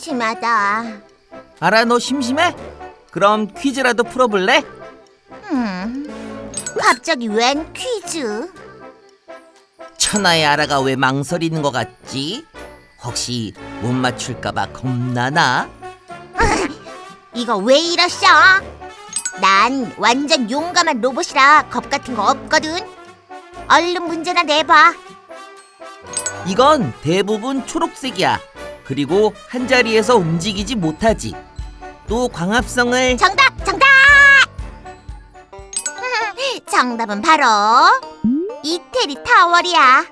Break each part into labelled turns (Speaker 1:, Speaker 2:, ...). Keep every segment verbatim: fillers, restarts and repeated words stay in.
Speaker 1: 심심하다.
Speaker 2: 알아, 너 심심해? 그럼 퀴즈라도 풀어볼래?
Speaker 1: 음, 갑자기 웬 퀴즈?
Speaker 2: 천하의 아라가 왜 망설이는 것 같지? 혹시 못 맞출까봐 겁나나?
Speaker 1: 이거 왜 이러셔? 난 완전 용감한 로봇이라 겁 같은 거 없거든. 얼른 문제나 내봐.
Speaker 2: 이건 대부분 초록색이야. 그리고 한 자리에서 움직이지 못하지. 또 광합성을
Speaker 1: 정답! 정답! 정답은 바로 이태리 타월이야.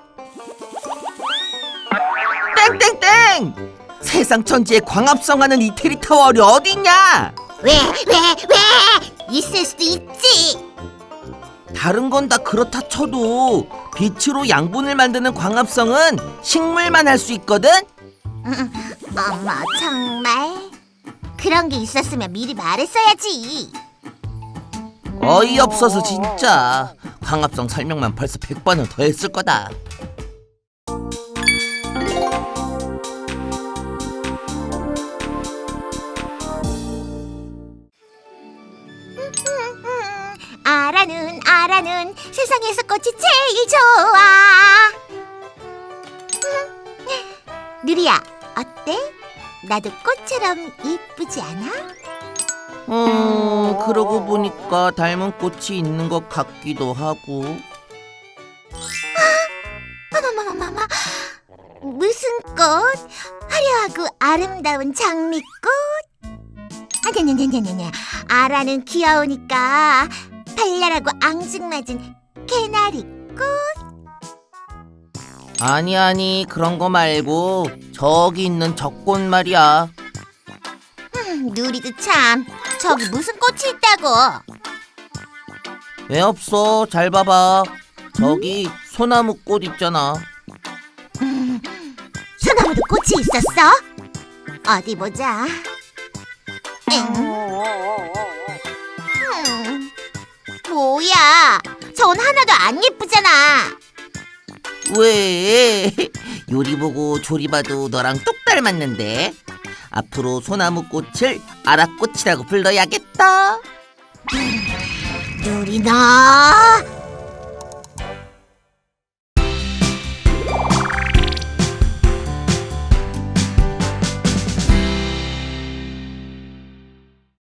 Speaker 2: 땡땡땡! 세상 천지에 광합성하는 이태리 타월이 어딨냐?
Speaker 1: 왜? 왜? 왜? 있을 수도 있지.
Speaker 2: 다른 건 다 그렇다 쳐도 빛으로 양분을 만드는 광합성은 식물만 할 수 있거든?
Speaker 1: 음, 어머 정말? 그런 게 있었으면 미리 말했어야지.
Speaker 2: 어이없어서 진짜. 광합성 설명만 벌써 백 번은 더 했을 거다.
Speaker 1: 아라는 아라는 세상에서 꽃이 제일 좋아. 누리야, 어때? 나도 꽃처럼 이쁘지 않아?
Speaker 2: 음, 그러고 보니까 닮은 꽃이 있는 것 같기도 하고.
Speaker 1: 어머머머머머, 무슨 꽃? 화려하고 아름다운 장미꽃? 아냐냐냐냐냐, 아라는 귀여우니까 발랄하고 앙증맞은 개나리꽃?
Speaker 2: 아니 아니, 그런 거 말고 저기 있는 저 꽃 말이야.
Speaker 1: 음, 누리도 참, 저기 무슨 꽃이 있다고?
Speaker 2: 왜 없어? 잘 봐봐. 저기 소나무 꽃 있잖아.
Speaker 1: 음, 소나무도 꽃이 있었어? 어디 보자. 응. 음, 뭐야? 전 하나도 안 예쁘잖아.
Speaker 2: 왜? 요리 보고 조리 봐도 너랑 똑 닮았는데. 앞으로 소나무 꽃을 아라꽃이라고 불러야겠다.
Speaker 1: 누리 너